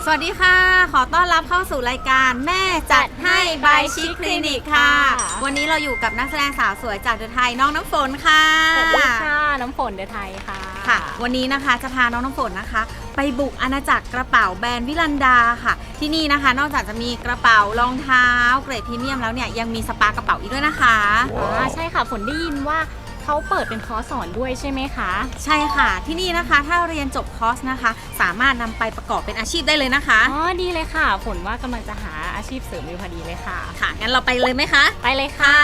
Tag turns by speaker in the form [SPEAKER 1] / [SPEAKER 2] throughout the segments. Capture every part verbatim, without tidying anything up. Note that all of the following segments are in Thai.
[SPEAKER 1] สวัสดีค่ะขอต้อนรับเข้าสู่รายการแม่จัดให้บายชิคคลินิกค่ะวันนี้เราอยู่กับนักแสดงสาวสวยจากเดอะไทยน้องน้ำฝนค่ะ
[SPEAKER 2] สวัสดีค่ะน้ำฝนเดอะไทยค่ะ
[SPEAKER 1] ค่ะวันนี้นะคะจะพาน้องน้ำฝนนะคะไปบุกอาณาจักรกระเป๋าแบรนด์วิลันดาค่ะที่นี่นะคะนอกจากจะมีกระเป๋ารองเท้าเกรดพรีเมียมแล้วเนี่ยยังมีสปากระเป๋าอีกด้วยนะคะ
[SPEAKER 2] อ๋อใช่ค่ะฝนได้ยินว่าเขาเปิดเป็นคอร์สสอนด้วยใช่ไหมคะ
[SPEAKER 1] ใช่ค่ะที่นี่นะคะถ้าเรียนจบคอร์สนะคะสามารถนำไปประกอบเป็นอาชีพได้เลยนะคะ
[SPEAKER 2] อ๋อดีเลยค่ะฝนว่ากำลังจะหาอาชีพเสริมอยู่พอดีเลยค่ะ
[SPEAKER 1] ค่ะงั้นเราไปเลยไหมคะ
[SPEAKER 2] ไปเลยค่ะ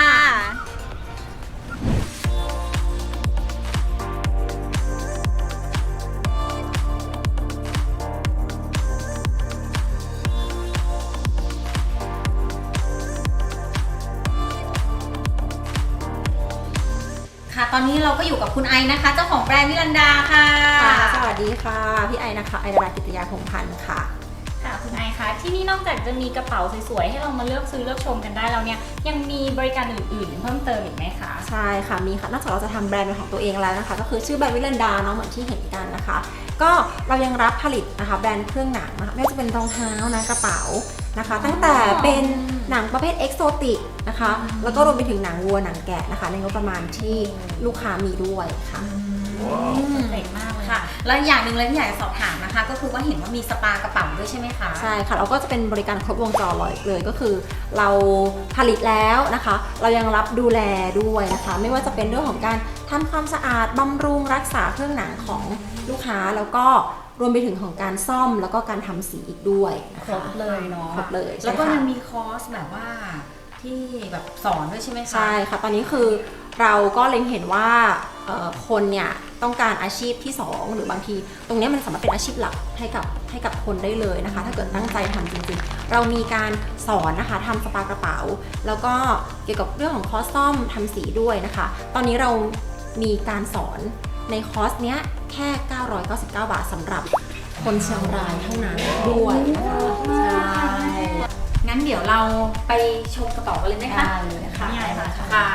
[SPEAKER 1] ค่ะตอนนี้เราก็อยู่กับคุณไอนะคะเจ้าของแบรนด์วิลันดาค่ะ
[SPEAKER 3] สวัสดีค่ะพี่ไอนะคะไอดารากิตยาพงพันธ์ค่ะ
[SPEAKER 2] ค่ะคุณไอคะที่นี่นอกจากจะมีกระเป๋าสวยๆให้เรามาเลือกซื้อเลือกชมกันได้แล้วเนี่ยยังมีบริการอื่นๆเพิ่มเติมอีกไหมคะ
[SPEAKER 3] ใช่ค่ะมีค่ะนอกจากเราจะทำแบรนด์เป็นของตัวเองแล้วนะคะก็คือชื่อแบรนด์วิลันดาเนาะเหมือนที่เห็นกันนะคะก็เรายังรับผลิตนะคะแบรนด์เครื่องหนังนะคะไม่ว่าจะเป็นรองเท้านะกระเป๋านะคะตั้งแต่เป็นหนังประเภทเอกโซติกนะคะแล้วก็รวมไปถึงหนังวัวหนังแกะนะคะในงบประมาณที่ลูกค้ามีด้วยค่ะ
[SPEAKER 2] เจ๋งมากเลย
[SPEAKER 1] ค่ะแล้วอย่างหนึ่งเลยที่อยากจะสอบถามนะคะก็คือว่าเห็นว่ามีสปากระเป๋าด้วยใช่ไหมคะ
[SPEAKER 3] ใช่ค่ะเราก็จะเป็นบริการครบวงจรเลยก็คือเราผลิตแล้วนะคะเรายังรับดูแลด้วยนะคะไม่ว่าจะเป็นเรื่องของการทำความสะอาดบำรุงรักษาเครื่องหนังของลูกค้าแล้วก็รวมไปถึงของการซ่อมแล้วก็การทำสีอีกด้วยนะคะ
[SPEAKER 2] ครบเลยเนาะ
[SPEAKER 3] ครบเลย
[SPEAKER 1] แล้วก็ยังมีคอร์สแบบว่าที่แบบสอนด้วยใช่ไหมคะ
[SPEAKER 3] ใช่ค่ะตอนนี้คือเราก็เล็งเห็นว่าคนเนี่ยต้องการอาชีพที่สองหรือบางทีตรงนี้มันสามารถเป็นอาชีพหลักให้กับให้กับคนได้เลยนะคะถ้าเกิดตั้งใจทำจริงๆเรามีการสอนนะคะทำสปากระเป๋าแล้วก็เกี่ยวกับเรื่องของคอร์สซ่อมทำสีด้วยนะคะตอนนี้เรามีการสอนในคอร์สเนี้ยแค่เก้าร้อยเก้าสิบเก้าบาทสำหรับคนเชียงรายเท่านั้นด้วยนะคะใช่
[SPEAKER 1] งั้นเดี๋ยวเราไปชมกระเป๋ากันเลยไหมคะ
[SPEAKER 3] ได้เลยค่ะ
[SPEAKER 1] นี่อะไรคะค่ะ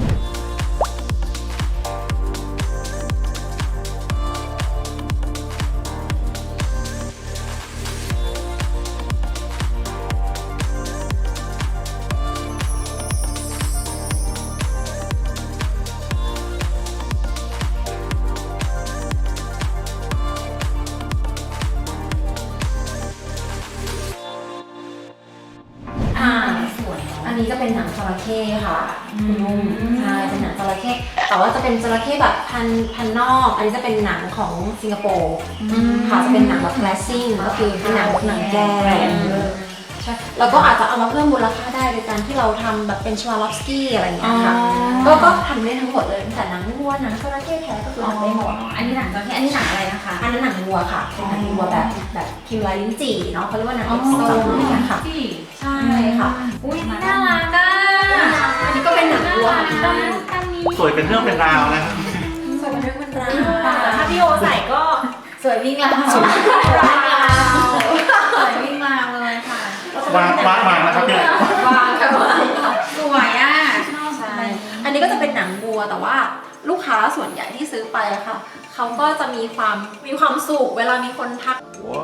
[SPEAKER 3] อันนี้จะเป็นหนังจระเข้ค่ะคุณนุ่มใช่เป็นหนังจระเข้แต่ว่าจะเป็นจระเข้แบบพันพันนอกอันนี้จะเป็นหนังของสิงคโปร์ค่ะจะเป็นหนังแบบแคลสซิ่งก็คือเป็นหนังหนังแก้ใช่แล้วก็อาจจะเอามาเพิ่มมูลค่าได้โดยการที่เราทำแบบเป็นชวาลอฟสกี้อะไรอย่างเงี้ยค่ะก็ก็ทำได้ทั้งหมดเลยแต่หนังวัวหนังจระเข้แท้ก็คือทำได้หมด
[SPEAKER 1] อันนี้หนังจระเข้อันนี้หนังอะไรนะคะ
[SPEAKER 3] อันนั้นหนังวัวค่ะเป็นหนังวัวแบบแบบพิมพ์ลายลิ้นจี่เนาะเขาเรียกว่าหนังเอ็กซ์โซอะไรอย่างเงี้ยค่ะใช่ค่ะ
[SPEAKER 1] อุ้ยน่ารักอ่ะ
[SPEAKER 3] อันนี้ก็เป็นหนังวัว
[SPEAKER 4] สวยเป็นเรื่องเป็นราวนะครับ
[SPEAKER 3] สวยเป็นเรื่องเป็นราว
[SPEAKER 2] แต่ถ้าพี่โอใส่ก็
[SPEAKER 1] สวยวิ่งราวสวยวิ่งราวสวยวิ่งราวเลยค่ะ
[SPEAKER 4] วางวางวางนะครับเนี่ยว
[SPEAKER 3] างค่ะ
[SPEAKER 1] สวยอ่ะ
[SPEAKER 3] ใช่อันนี้ก็จะเป็นหนังวัวแต่ว่าลูกค้าส่วนใหญ่ที่ซื้อไปอะค่ะเขาก็จะมีความมีความสุขเวลามีคนทัก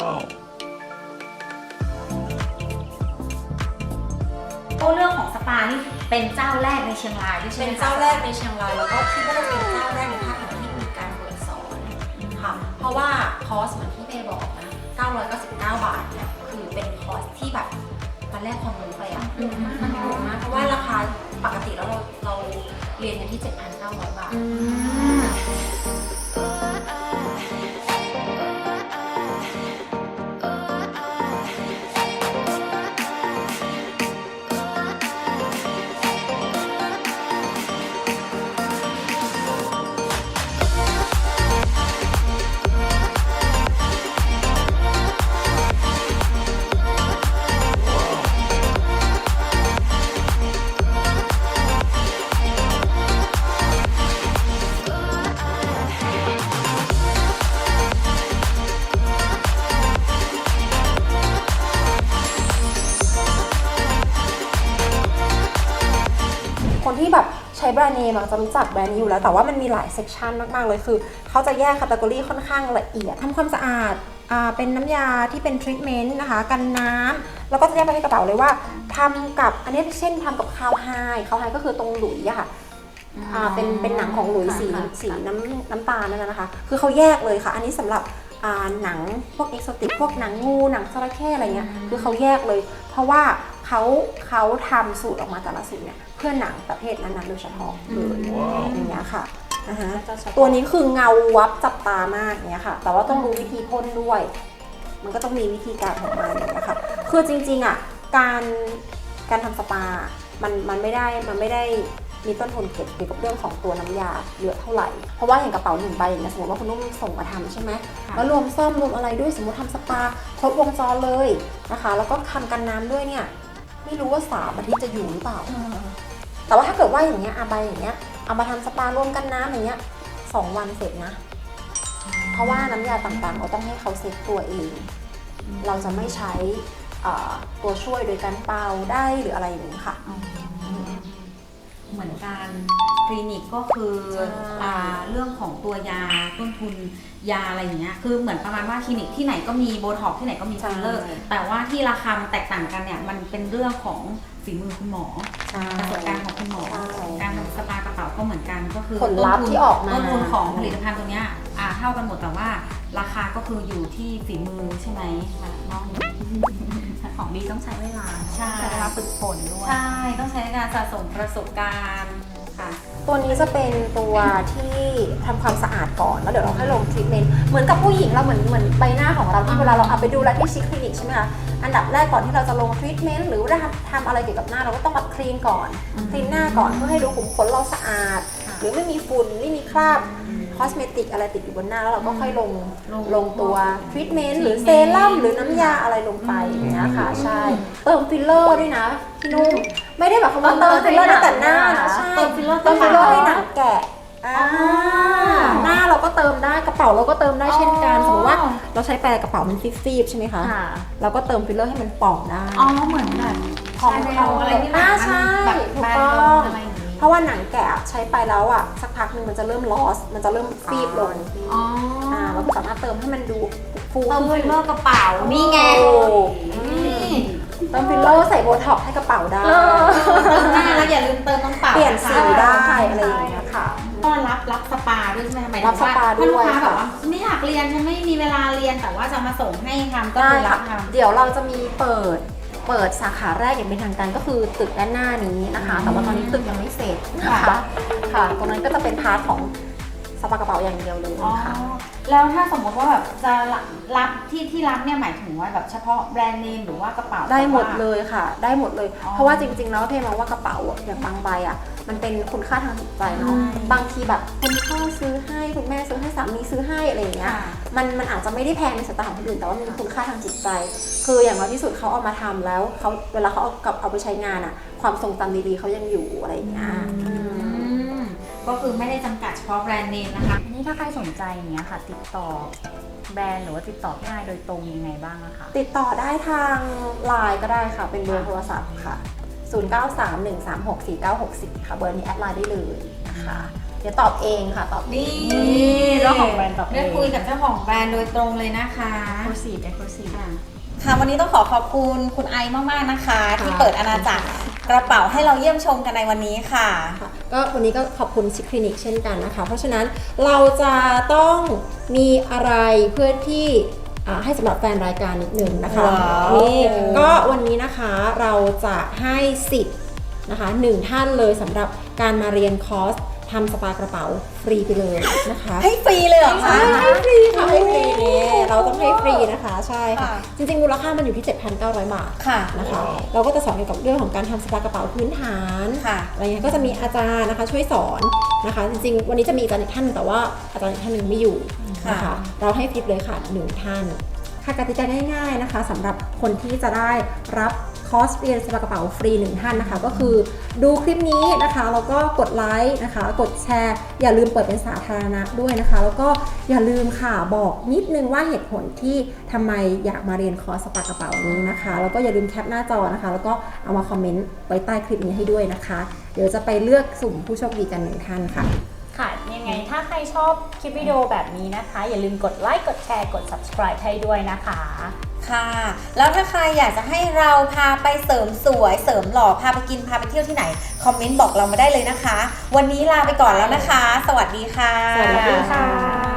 [SPEAKER 1] เรื่องของสปานี่เป็นเจ้าแรกในเชียงรายด้วยใช่ไหม
[SPEAKER 3] เป็นเจ้าแรกในเชียงรายแล้วก็คิดว่าจะเป็นเจ้าแรกในภาคเหนือที่มีการเปิดสอนค่ะเพราะว่าคอร์สเหมือนที่เมย์บอกนะเก้าร้อยเก้าสิบเก้าบาทเนี่ยคือเป็นคอร์สที่แบบมันแลกความรู้ไปอ่ะมันถูกมากเพราะว่าราคาปกติแล้วเราเราเรียนกันที่ เจ็ดพันเก้าร้อย บาทคนที่แบบใช้แบรนด์เนมจะรู้จักแบรนด์นี้อยู่แล้วแต่ว่ามันมีหลายเซกชันมากๆเลยคือเขาจะแยกแคตตาล็อกค่อนข้างละเอียดทำความสะอาดอ่าเป็นน้ำยาที่เป็นทรีทเมนต์นะคะกันน้ำแล้วก็จะแยกไปในกระเป๋าเลยว่าทำกับอันนี้เช่นทำกับคาวไฮคาวไฮก็คือตรงหลุยอะค่ะอ่าเป็นเป็นหนังของหลุยสีสีน้ำน้ำตาลนั่นนะคะคือเขาแยกเลยค่ะอันนี้สำหรับอ่าหนังพวกเอ็กโซติกพวกหนังงูหนังจระเข้อะไรเงี้ยคือเขาแยกเลยเพราะว่าเขาเขาทำสูตรออกมาแต่ละสูตรเนี่ยเพื่อหนังประเภทนั้นๆโดยเฉพาะเลยอย่างเงี้ยค่ะนะคะตัวนี้คือเงาวับจับตามากเนี้ยค่ะแต่ว่าต้องรู้วิธีพ่นด้วยมันก็ต้องมีวิธีการของมันอย่างเงี้ยค่ะคือจริงๆอ่ะการการทำสปา มันมันไม่ได้มันไม่ได้มีต้นทุนเกี่ยวกับเรื่องของตัวน้ำยาเยอะเท่าไหร่เพราะว่าอย่างกระเป๋าหนึ่งใบอย่างเงี้ยสมมติว่าคุณนุ่มส่งมาทำใช่ไหมแล้วรวมซ่อมรวมอะไรด้วยสมมติทำสปาครบวงจรเลยนะคะแล้วก็ทำกันน้ำด้วยเนี่ยไม่รู้ว่าสามอาทิตย์จะอยู่หรือเปล่าแต่ว่าถ้าเกิดว่าอย่างเงี้ยอาใบอย่างเงี้ยเอามาทำสปารวมกันน้ำอย่างเงี้ยสองวันเสร็จนะเพราะว่าน้ำยาต่างๆเราต้องให้เขาเซ็ตตัวเองเราจะไม่ใช้ตัวช่วยโดยการเป่าได้หรืออะไรอย่างนี้ค่ะ
[SPEAKER 1] เหมือนการคลินิกก็คือเรื่องของตัวยาต้นทุนยาอะไรอย่างเงี้ยคือเหมือนประมาณว่าคลินิกที่ไหนก็มีโบท็อกที่ไหนก็มีฟิลเลอร์แต่ว่าที่ราคาแตกต่างกันเนี่ยมันเป็นเรื่องของฝีมือคุณหมอประสบการณ์ของคุณหมอการทำสปากระเป๋าก็เหมือนกันก็คือ
[SPEAKER 3] ผลลัพธ์ที่ออกมา
[SPEAKER 1] ต้นทุนของผลิตภัณฑ์ตัวเนี้ยเท่ากันหมดแต่ว่าราคาก็คืออยู่ที่ฝีมือใช่ไหมน้อง
[SPEAKER 2] ของดีต้องใช้เวลา
[SPEAKER 1] ใช้
[SPEAKER 2] เวลาฝึกฝนด้วย
[SPEAKER 1] ใช่ต้องใช้การสะสมประสบการณ์ค่ะ
[SPEAKER 3] ตัวนี้จะเป็นตัวที่ทำความสะอาดก่อนแล้วเดี๋ยวเราค่อยลงทรีทเมนต์เหมือนกับผู้หญิงเราเหมือนเหมือนใบหน้าของเราที่เวลาเราเอาไปดูแลที่ชิคคลินิกใช่ไหมคะอันดับแรกก่อนที่เราจะลงทรีทเมนต์หรือว่าทำอะไรเกี่ยวกับหน้าเราก็ต้องแบบคลีนก่อนคลีนหน้าก่อนเพื่อให้ดูขุมขนเราสะอาดหรือไม่มีฝุ่นไม่มีคราบคอสเมติกอะไรติดอยู่บนหน้าแล้วเราก็ค่อยลงลงตัวทรีทเมนต์หรือเซรั่มหรือน้ำยาอะไรลงไปอย่างเงี้ยค่ะใช่เติมฟิลเลอร์ด้วยนะพี่นุ่มไม่ได้แบบคำว่าเติมฟิลเลอร์ได้แต่หน้านะใช่เติมฟิลเลอร์เติมฟิลเลอร์ให้หนังแกะหน้าเราก็เติมได้กระเป๋าเราก็เติมได้เช่นกันสมมติว่าเราใช้ไปกระเป๋ามันซีบๆใช่ไหมคะเราก็เติมฟิลเลอร์ให้มันป่องได้
[SPEAKER 1] อ๋อเหมือนแบบ
[SPEAKER 3] ของเราอะไรที่มันแบบถูกต้องเพราะว่าหนังแกะใช้ไปแล้วอ่ะสักพักหนึ่งมันจะเริ่มลอสมันจะเริ่มซีบลง
[SPEAKER 1] อ๋อ
[SPEAKER 3] เราสามารถเติมให้มันดูฟู
[SPEAKER 1] เติมฟิลเลอร์กระเป๋านี่ไง
[SPEAKER 3] เติมฟิลเลอร์ใส่โบท็อกให้กระเป๋าได้
[SPEAKER 1] เติมหน้าแล้วอย่าลืมเติมตรงเป๋า
[SPEAKER 3] เปลี่ยนสีได้อะไรอย่างเงี้ยค่ะ
[SPEAKER 1] ก็รับรับสปาด้วยใช่ไหมหมายถึงว่า
[SPEAKER 3] ถ้าลูก
[SPEAKER 1] ค้าแบบว่าไม่อยากเรียนฉันไม่มีเวลาเรียนแต่ว่าจะมาส่งให้ทำก็คือรับทำ
[SPEAKER 3] เดี๋ยวเราจะมีเปิดเปิดสาขาแรกอย่างเป็นทางการก็คือตึกด้านหน้านี้นะคะแต่ว่าตอนนี้ตึกยังไม่เสร็จนะคะค่ะตรงนั้นก็จะเป็นพาร์ทของสปากระเป๋าอย่างเดียวเลยค่ะ
[SPEAKER 1] แล้วถ้าสมมติว่าแบบจะรับที่ที่รับเนี่ยหมายถึงว่าแบบเฉพาะแบรนด์เนมหรือว่ากระเป๋า
[SPEAKER 3] ได้หมดเลยค่ะได้หมดเลยเพราะว่าจริงๆแล้วเพมองว่ากระเป๋าอย่างบางใบอ่ะมันเป็นคุณค่าทางจิตใจเนาะบางทีแบบคุณพ่อซื้อให้คุณแม่ซื้อให้สามีซื้อให้อะไรอย่างเงี้ยมันมันอาจจะไม่ได้แพงในสายตาของคนอื่นแต่ว่ามันมีคุณค่าทางจิตใจคืออย่างน้อยที่สุดเขาเอามาทำแล้วเขาเวลาเขาเอากับเอาไปใช้งานอ่ะความทรงจำดีๆเขายังอยู่อะไรอย่างเงี้ย
[SPEAKER 1] ก็คือไม่ได้จำกัดเฉพาะแบรนด์เนมนะคะ
[SPEAKER 2] นี่ถ้าใครสนใจเนี้ยค่ะติดต่อแบรนด์หรือว่าติดต่อพี่นายโดยตรงยังไงบ้างอะคะ
[SPEAKER 3] ติดต่อได้ทางไลน์ก็ได้ค่ะเป็นเบอร์โทรศัพท์ค่ะศูนย์ เก้า สาม หนึ่ง สาม หก สี่ เก้า หก สี่ค่ะเบอร์นี้แอดไลน์ได้เลยนะคะเดี๋ยวตอบเองค่ะตอบ
[SPEAKER 1] นี่เจ้าของแบรนด์ตอบเองได้คุยกับเจ้าของแบรนด์โดยตรงเลยนะคะ
[SPEAKER 2] Exclusive Exclusive
[SPEAKER 1] ค่ะวันนี้ต้องขอขอบคุณคุณไอมากๆนะคะที่เปิดอาณาจักรกระเป๋าให้เราเยี่ยมชมกันในวันนี้ค่ะ
[SPEAKER 3] ก็วันนี้ก็ขอบคุณชิคคลินิกเช่นกันนะคะเพราะฉะนั้นเราจะต้องมีอะไรเพื่อที่ให้สำหรับแฟนรายการนิดหนึ่งนะคะนี่ก็วันนี้นะคะเราจะให้สิทธิ์นะคะหนึ่งท่านเลยสำหรับการมาเรียนคอร์สทำสปากระเป๋าฟรีไปเลยนะคะ
[SPEAKER 1] ให้ฟรีเลยเหรอคะ
[SPEAKER 3] ให้ฟรีค่ะให้ฟรีเนี่ยเราต้องให้ฟรีนะคะใช่ค่ะจริงๆมูลค่ามันอยู่ที่ เจ็ดพันเก้าร้อย บาทนะคะเราก็จะสอนเกี่ยวกับเรื่องของการทำสปากระเป๋าพื้นฐานอะไรเงี้ยก็จะมีอาจารย์นะคะช่วยสอนนะคะจริงๆวันนี้จะมีอาจารย์อีกท่านนึงแต่ว่าอาจารย์อีกท่านนึงไม่อยู่นะคะเราให้ฟรีเลยค่ะหนึ่งท่านค่ะกติกาง่ายๆนะคะสำหรับคนที่จะได้รับคอร์สเรียนสปากระเป๋าฟรีหนึ่งท่านนะคะก็คือดูคลิปนี้นะคะแล้วก็กดไลค์นะคะกดแชร์อย่าลืมเปิดเป็นสาธารณะด้วยนะคะแล้วก็อย่าลืมค่ะบอกนิดนึงว่าเหตุผลที่ทำไมอยากมาเรียนคอร์สสปากระเป๋านี้นะคะแล้วก็อย่าลืมแคปหน้าจอนะคะแล้วก็เอามาคอมเมนต์ไว้ใต้คลิปนี้ให้ด้วยนะคะเดี๋ยวจะไปเลือกสุ่มผู้โชคดีกันหนึ่งท่านค่ะ
[SPEAKER 2] ค่ะยังไงถ้าใครชอบคลิปวิดีโอแบบนี้นะคะ อย่าลืมกดไลค์กดแชร์กด subscribe ให้ด้วยนะคะ
[SPEAKER 1] ค่ะแล้วถ้าใครอยากจะให้เราพาไปเสริมสวยเสริมหล่อพาไปกินพาไปเที่ยวที่ไหนคอมเมนต์บอกเรามาได้เลยนะคะวันนี้ลาไปก่อนแล้วนะคะสวัสดีค่ะ
[SPEAKER 3] สวัสดีค่ะ